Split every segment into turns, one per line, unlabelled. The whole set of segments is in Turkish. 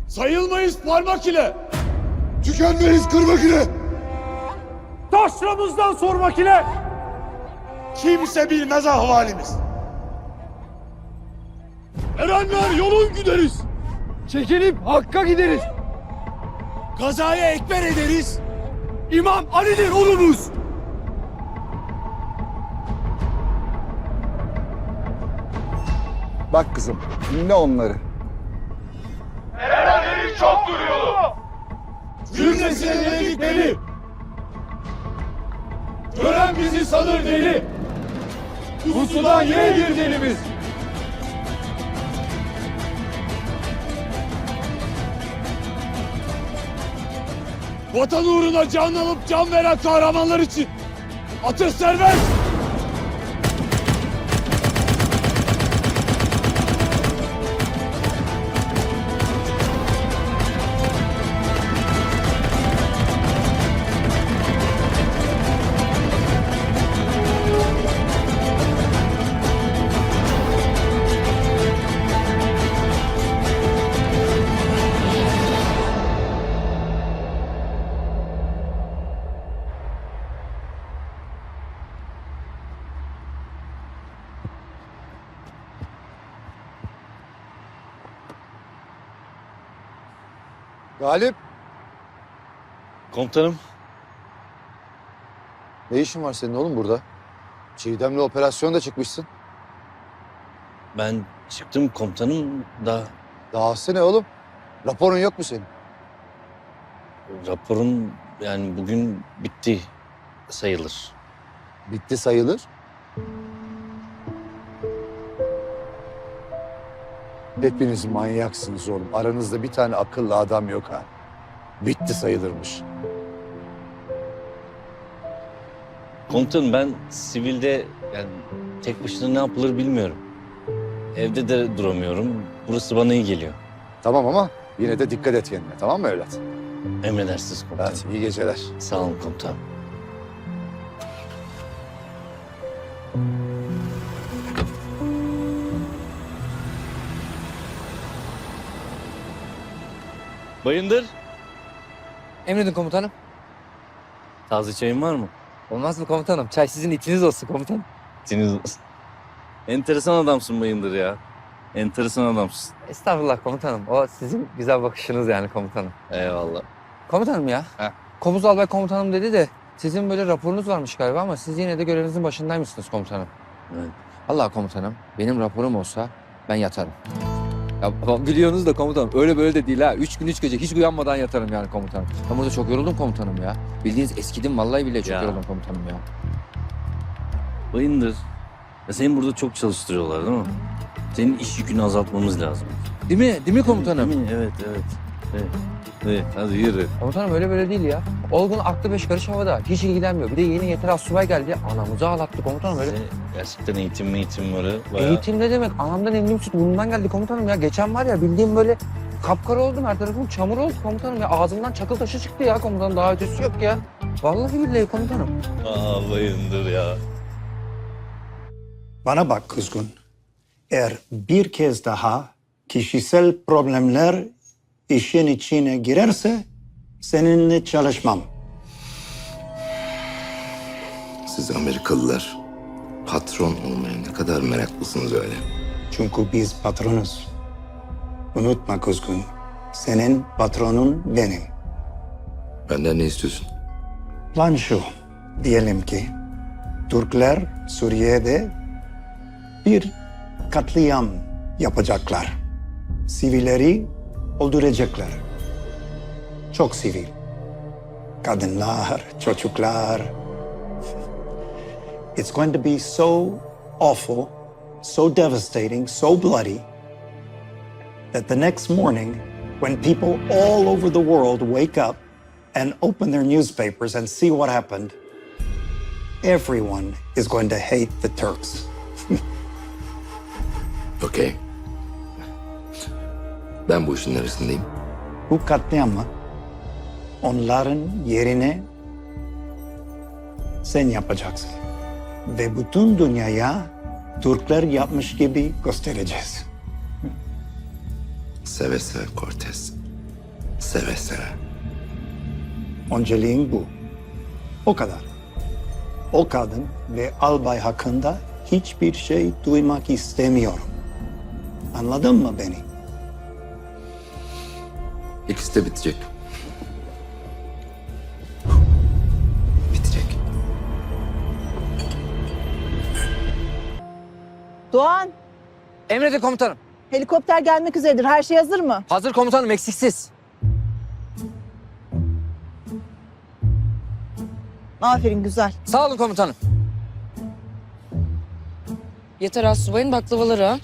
Sayılmayız parmak ile.
Tükenmeyiz kırmak ile.
Taşramızdan sormak ile. Kimse bilmez ahvalimiz. Erenler yolun gideriz.
Çekilip Hakk'a gideriz.
Kazaya ekber ederiz. İmam Ali'dir ulumuz.
Bak kızım, dinle onları.
Erenlerin çoktur yolu. Cümlesine yedik beni. Gören bizi sanır deli. Pusudan yeğdir delimiz. Vatan uğruna can alıp can veren kahramanlar için atış serbest!
Galip,
Komutanım,
ne işin var senin oğlum burada? Çiğdem'le operasyonda çıkmışsın.
ben çıktım komutanım da
Dahası ne oğlum? Raporun yok mu senin?
raporum yani bugün bitti sayılır.
Bitti sayılır. Hepiniz manyaksınız oğlum. Aranızda bir tane akıllı adam yok ha. Bitti sayılırmış.
Komutanım ben sivilde yani tek başına ne yapılır bilmiyorum. Evde de duramıyorum. Burası bana iyi geliyor.
Tamam ama yine de dikkat et kendine, tamam mı evlat?
Emredersiniz komutanım.
Hadi iyi geceler.
Sağ olun komutanım. Bayındır,
Emredin komutanım.
taze çayın var mı?
Olmaz mı komutanım? Çay sizin itiniz olsun komutanım.
İçiniz olsun. Enteresan adamsın Bayındır ya. Enteresan adamsın.
Estağfurullah komutanım. O sizin güzel bakışınız yani komutanım.
Eyvallah.
Komutanım ya.
Heh.
Komuz albay komutanım dedi de sizin böyle raporunuz varmış galiba ama siz yine de görevinizin başındaymışsınız komutanım.
Evet.
Allah komutanım benim raporum olsa ben yatarım. Ya biliyorsunuz da komutanım öyle böyle de değil ha. 3 gün 3 gece hiç uyanmadan yatarım yani komutanım. Ben burada çok yoruldum komutanım ya. Bildiğiniz eskidim vallahi bile çok
Ya.
yoruldum komutanım ya.
Bayındır. Ya seni burada çok çalıştırıyorlar değil mi? Senin iş yükünü azaltmamız lazım.
Değil mi? Değil mi komutanım?
Değil mi? Evet, evet. Evet. Evet, hadi yürü.
Komutanım öyle böyle değil ya. Olgun aklı 5 karış havada. Hiç ilgilenmiyor. Bir de yeni yeter asubay geldi. Anamızı ağlattı komutanım öyle.
Size gerçekten eğitimleri bayağı...
Eğitim ne demek? Anamdan emdiğim süt burnumdan geldi komutanım ya. Geçen var ya bildiğim böyle kapkara oldum. Her tarafım çamur oldu komutanım ya. Ağzımdan çakıl taşı çıktı ya komutanım. Daha ötesi yok ya. Vallahi billahi komutanım.
Aa Bayındır ya.
Bana bak kuzgun. Eğer bir kez daha kişisel problemler işin içine girerse seninle çalışmam.
Siz Amerikalılar patron olmaya ne kadar meraklısınız öyle.
Çünkü biz patronuz. Unutma kuzgun. Senin patronun benim.
Benden ne istiyorsun?
Plan şu. Diyelim ki Türkler Suriye'de bir katliam yapacaklar. Sivilleri öldürecekler. Çok sivil. Kadınlar, çocuklar. It's going to be so awful, so devastating, so bloody that the next morning when people all over the world wake up and open their newspapers and see what happened, everyone is going to hate the Turks.
Okey. Ben bu işin neresindeyim?
Bu katliamı onların yerine sen yapacaksın. Ve bütün dünyaya Türkler yapmış gibi göstereceğiz.
Seve seve Cortez. Seve seve.
Önceliğin bu. O kadar. O kadın ve albay hakkında hiçbir şey duymak istemiyorum. Anladın mı beni?
İkisi de bitecek. Bitecek.
Doğan,
Emredin komutanım.
helikopter gelmek üzeredir. Her şey hazır mı?
Hazır komutanım, eksiksiz.
Aferin, güzel.
Sağ olun komutanım.
Yeter astsubayın baklavaları ha.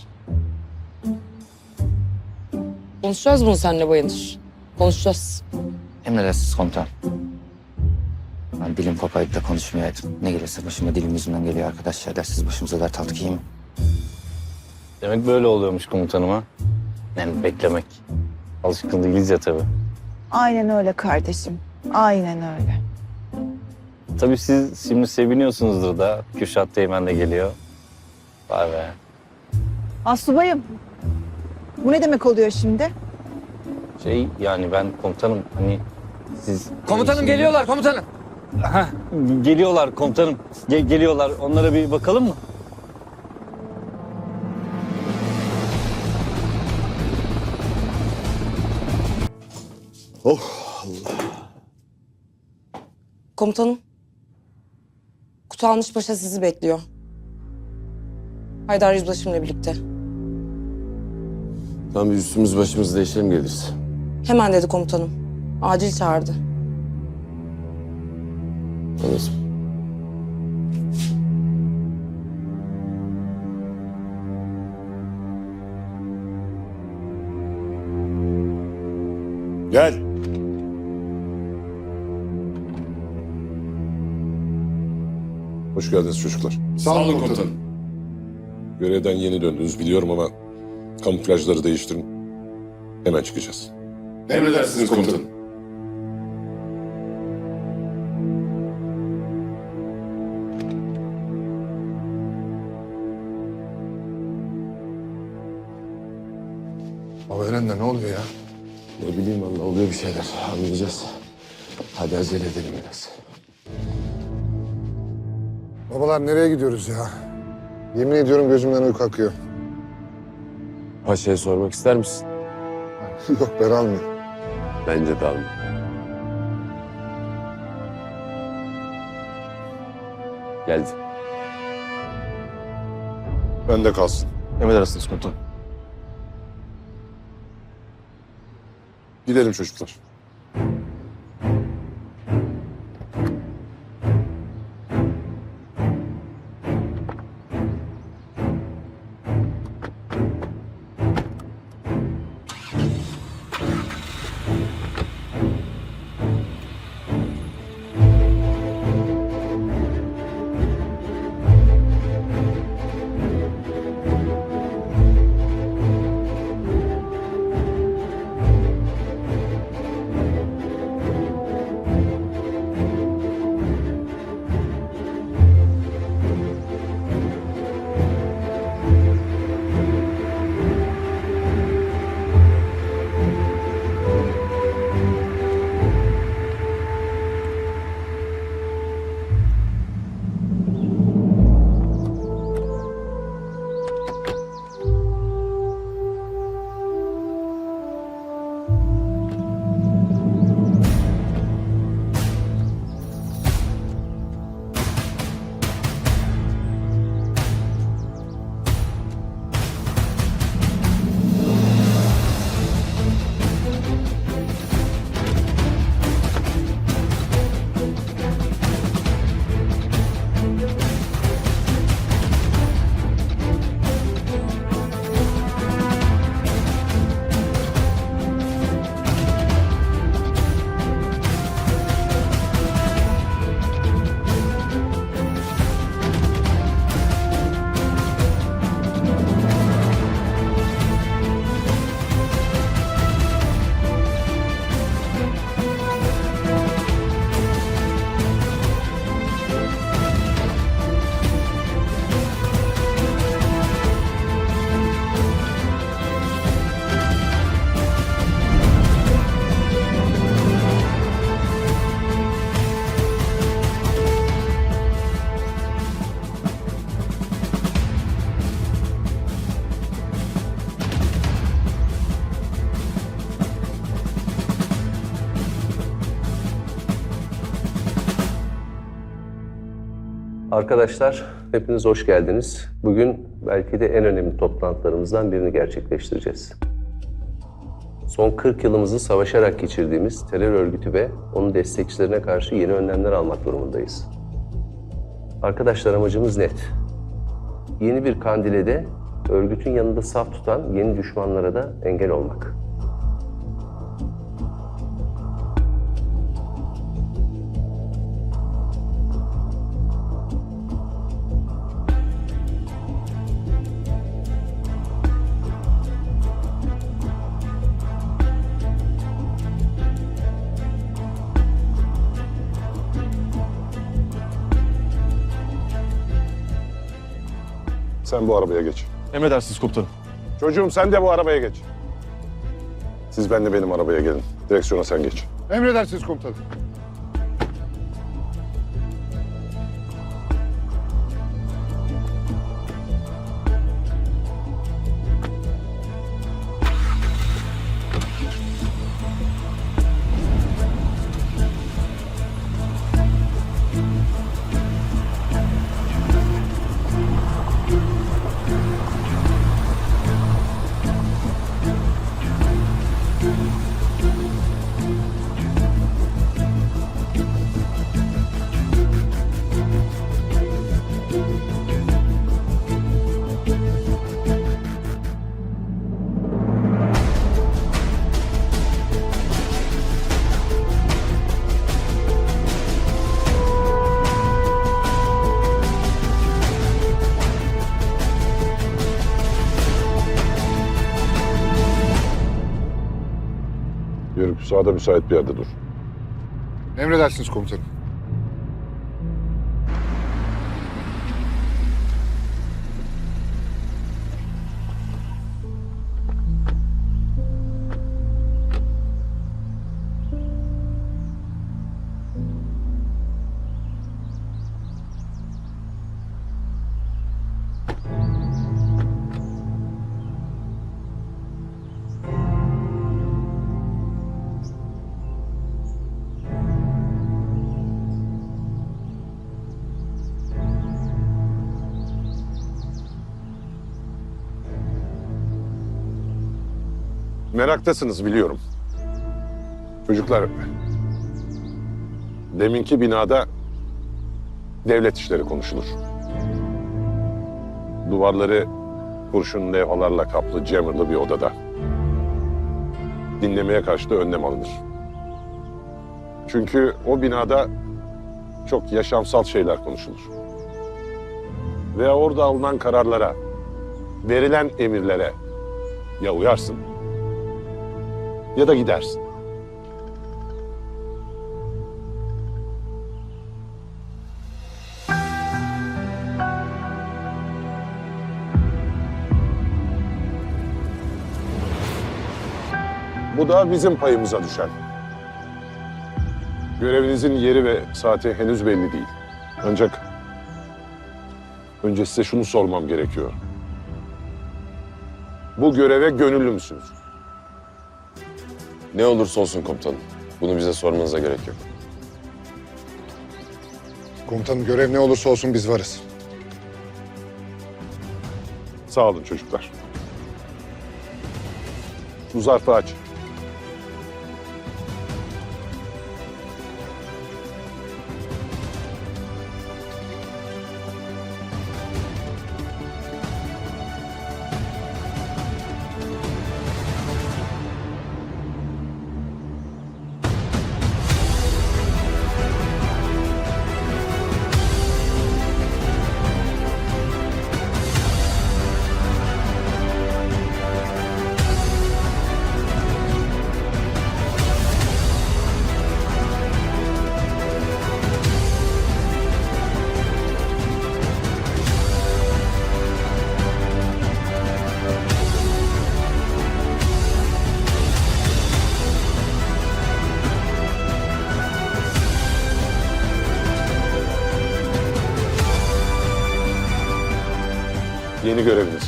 Konuşacağız bunu seninle Bayındır. Konuşacağız.
Emredersiniz komutanım. Ben dilim kopayıp da konuşmayaydım. Ne gelirse başıma dilim yüzünden geliyor arkadaşlar. Dersiz başımıza dert aldık, iyi mi?
Demek böyle oluyormuş komutanım ha. Yani beklemek. Alışkın değiliz ya tabii.
Aynen öyle kardeşim. Aynen öyle.
Tabii siz şimdi seviniyorsunuzdur da. Kürşat Teğmen de geliyor. Vay be.
Asubayım, bu ne demek oluyor şimdi?
Yani ben komutanım hani siz...
Komutanım
Şimdi-
geliyorlar komutanım.
Heh, geliyorlar komutanım. Geliyorlar. Onlara bir bakalım mı?
Komutanım. Kutalmış Paşa sizi bekliyor. Haydar Yüzbaşımla birlikte.
Tam bir üstümüz başımız değişelim geliriz.
Hemen dedi komutanım. Acil çağırdı.
Anladım.
Gel.
Hoş geldiniz çocuklar.
Sağ olun komutanım.
Görevden yeni döndünüz biliyorum ama kamuflajları değiştirin. Hemen çıkacağız.
Emredersiniz komutanım.
Baba Eren'de ne oluyor ya?
Ne bileyim vallahi oluyor bir şeyler. Anlayacağız. Hadi acele edelim biraz.
Babalar nereye gidiyoruz ya? Yemin ediyorum gözümden uyku akıyor.
Paşa'ya sormak ister misin?
Yok ben almıyorum.
Bence de alma. Geldi.
Bende kalsın.
Emredersiniz komutanım.
Gidelim çocuklar.
Arkadaşlar, hepiniz hoş geldiniz. Bugün belki de en önemli toplantılarımızdan birini gerçekleştireceğiz. Son 40 yılımızı savaşarak geçirdiğimiz terör örgütü ve onun destekçilerine karşı yeni önlemler almak durumundayız. Arkadaşlar, amacımız net. Yeni bir Kandil'e de örgütün yanında saf tutan yeni düşmanlara da engel olmak.
Sen bu arabaya geç.
Emredersiniz komutanım.
Çocuğum sen de bu arabaya geç. Siz benle benim arabaya gelin. Direksiyona sen geç.
Emredersiniz komutanım.
Yürü, sağda müsait bir yerde dur.
Emredersiniz komutanım.
Meraktasınız biliyorum. Çocuklar, deminki binada devlet işleri konuşulur. Duvarları kurşun levhalarla kaplı, camırlı bir odada. Dinlemeye karşı da önlem alınır. Çünkü o binada çok yaşamsal şeyler konuşulur. Ve orada alınan kararlara, verilen emirlere ya uyarsın ya da gidersin. Bu da bizim payımıza düşen. Görevinizin yeri ve saati henüz belli değil. Ancak önce size şunu sormam gerekiyor. Bu göreve gönüllü müsünüz?
Ne olursa olsun komutanım. Bunu bize sormanıza gerek yok.
Komutanım görev ne olursa olsun biz varız.
Sağ olun çocuklar. Bu zarfı aç. Yeni göreviniz.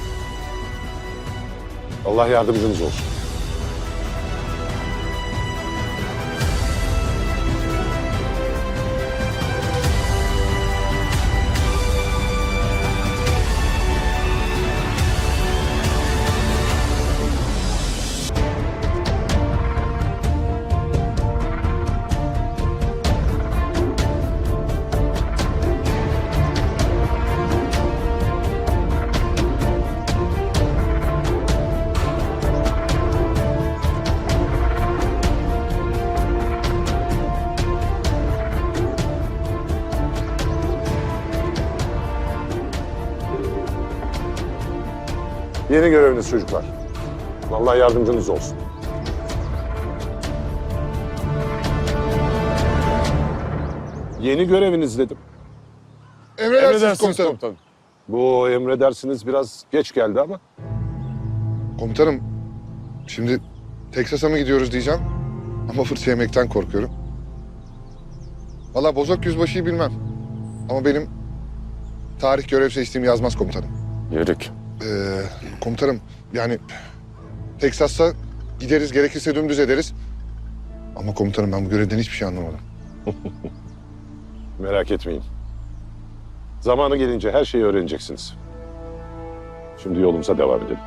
Allah yardımcınız olsun. Yeni göreviniz çocuklar. Allah yardımcınız olsun. Yeni göreviniz dedim.
Emredersiniz komutanım.
Bu emredersiniz biraz geç geldi ama.
Komutanım, şimdi Teksas'a mı gidiyoruz diyeceğim ama fırça yemekten korkuyorum. Vallahi Bozok Yüzbaşı'yı bilmem ama benim tarih görev seçtiğimi yazmaz komutanım.
Yörük.
Komutanım, yani Teksas'a gideriz, gerekirse dümdüz ederiz. Ama komutanım ben bu görevden hiçbir şey anlamadım.
Merak etmeyin. Zamanı gelince her şeyi öğreneceksiniz. Şimdi yolumuza devam edelim.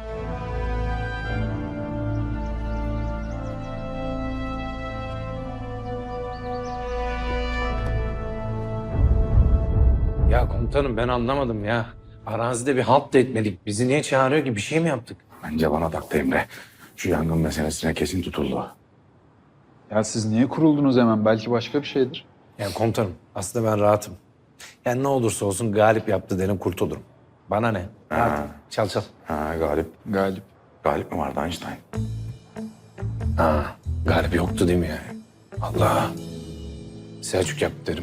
Ya komutanım ben anlamadım ya. Arazide bir halt da etmedik. Bizi niye çağırıyor ki? Bir şey mi yaptık?
Bence bana taktı Emre. Şu yangın meselesine kesin tutuldu.
Ya siz niye kuruldunuz hemen? Belki başka bir şeydir.
Ya komutanım aslında ben rahatım. Yani ne olursa olsun Galip yaptı derim kurtulurum. Bana ne? Hadi çal çal.
Ha, Galip. Galip mi vardı Einstein?
Ha, Galip yoktu değil mi yani? Allah. Selçuk yaptı derim.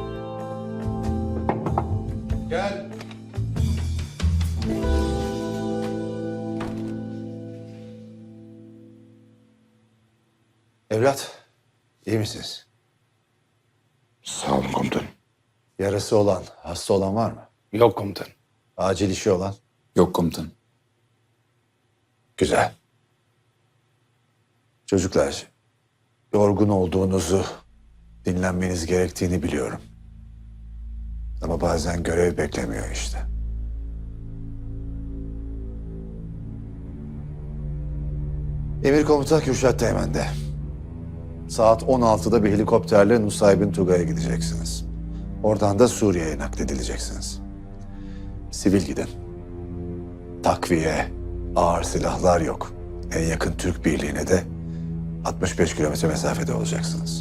Evlat, iyi misiniz?
Sağ olun komutanım.
Yarası olan, hasta olan var mı?
Yok komutanım.
Acil işi olan?
Yok komutanım.
Güzel. Çocuklar, yorgun olduğunuzu, dinlenmeniz gerektiğini biliyorum. Ama bazen görev beklemiyor işte. Emir Komuta Kürşat Teğmen'de. Saat 16'da bir helikopterle Nusaybin Tugay'a gideceksiniz. Oradan da Suriye'ye nakledileceksiniz. Sivil gidin. Takviye, ağır silahlar yok. En yakın Türk birliğine de 65 kilometre mesafede olacaksınız.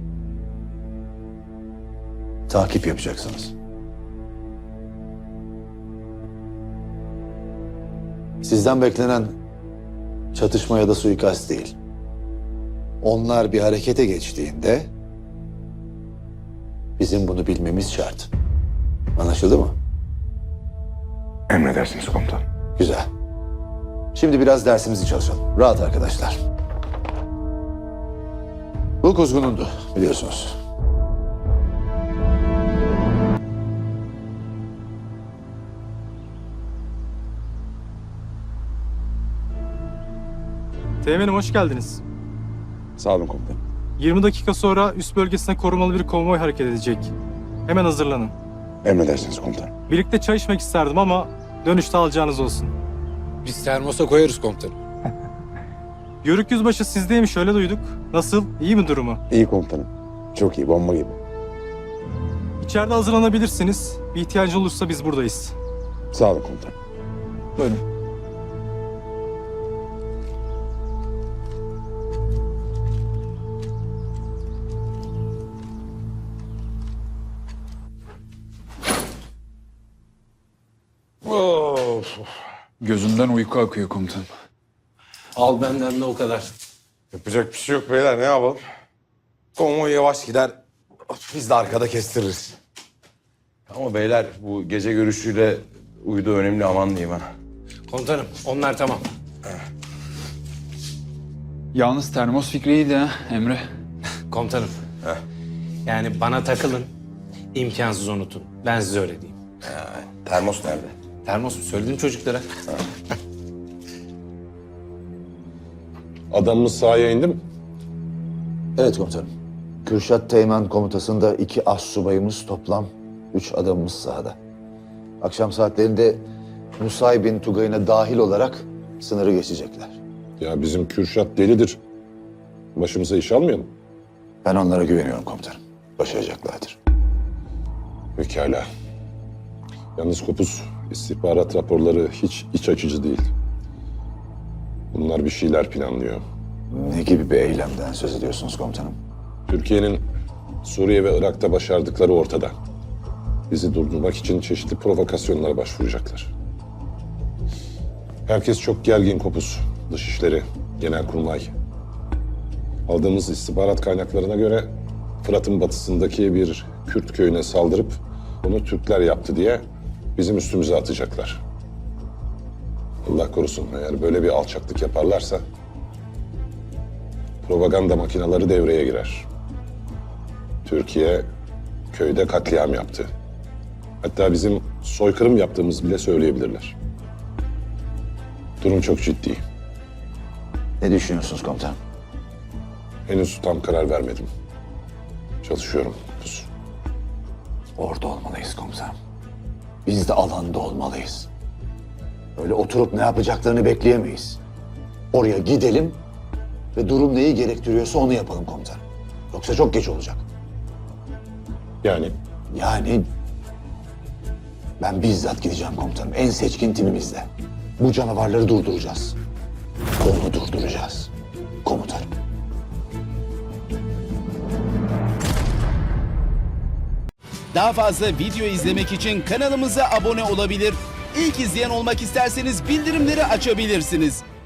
Takip yapacaksınız. Sizden beklenen çatışma ya da suikast değil. Onlar bir harekete geçtiğinde bizim bunu bilmemiz şart. Anlaşıldı mı?
Emredersiniz komutanım.
Güzel. Şimdi biraz dersimizi çalışalım. Rahat arkadaşlar. Bu kuzgunundu biliyorsunuz.
Teğmenim hoş geldiniz.
Sağ olun komutanım.
20 dakika sonra üst bölgesine korumalı bir konvoy hareket edecek. Hemen hazırlanın.
Emredersiniz komutanım.
Birlikte çay içmek isterdim ama dönüşte alacağınız olsun.
Biz termosa koyarız komutanım.
Yörük Yüzbaşı sizdeymiş öyle duyduk. Nasıl? İyi mi durumu?
İyi komutanım. Çok iyi, bomba gibi.
İçeride hazırlanabilirsiniz. Bir ihtiyacı olursa biz buradayız.
Sağ olun komutanım.
Buyurun.
Gözümden uyku akıyor komutanım.
Al benden de o kadar.
Yapacak bir şey yok beyler, ne yapalım? Konvoy yavaş gider, biz de arkada kestiririz. Ama beyler bu gece görüşüyle uydu önemli, aman diyeyim ha.
Komutanım onlar tamam.
Yalnız termos fikri iyiydi ha Emre.
Komutanım. Yani bana takılın. İmkansız unutun. Ben size öyle diyeyim.
Termos nerede?
Termos mu? Söyledim çocuklara.
Adamımız sahaya indi mi?
Evet komutanım. Kürşat Teğmen komutasında 2 astsubayımız, toplam 3 adamımız sahada. Akşam saatlerinde Nusaybin Tugay'ına dahil olarak sınırı geçecekler.
Ya bizim Kürşat delidir. Başımıza iş almayalım.
Ben onlara güveniyorum komutanım. Başaracaklardır.
Pekala. Yalnız Kopuz, istihbarat raporları hiç iç açıcı değil. Bunlar bir şeyler planlıyor.
Ne gibi bir eylemden söz ediyorsunuz komutanım?
Türkiye'nin Suriye ve Irak'ta başardıkları ortada. Bizi durdurmak için çeşitli provokasyonlara başvuracaklar. Herkes çok gergin Kopuz. Dışişleri, Genelkurmay. Aldığımız istihbarat kaynaklarına göre Fırat'ın batısındaki bir Kürt köyüne saldırıp bunu Türkler yaptı diye bizim üstümüze atacaklar. Allah korusun, eğer böyle bir alçaklık yaparlarsa propaganda makineleri devreye girer. Türkiye köyde katliam yaptı. Hatta bizim soykırım yaptığımız bile söyleyebilirler. Durum çok ciddi.
Ne düşünüyorsunuz komutanım?
Henüz tam karar vermedim. Çalışıyorum. Kopuz.
Orada olmalıyız komutanım. Biz de alanda olmalıyız. Öyle oturup ne yapacaklarını bekleyemeyiz. Oraya gidelim ve durum neyi gerektiriyorsa onu yapalım komutanım. Yoksa çok geç olacak. Yani ben bizzat gideceğim komutanım. En seçkin timimizle. Bu canavarları durduracağız. Onu durduracağız. Komutanım.
Daha fazla video izlemek için kanalımıza abone olabilir. İlk izleyen olmak isterseniz bildirimleri açabilirsiniz.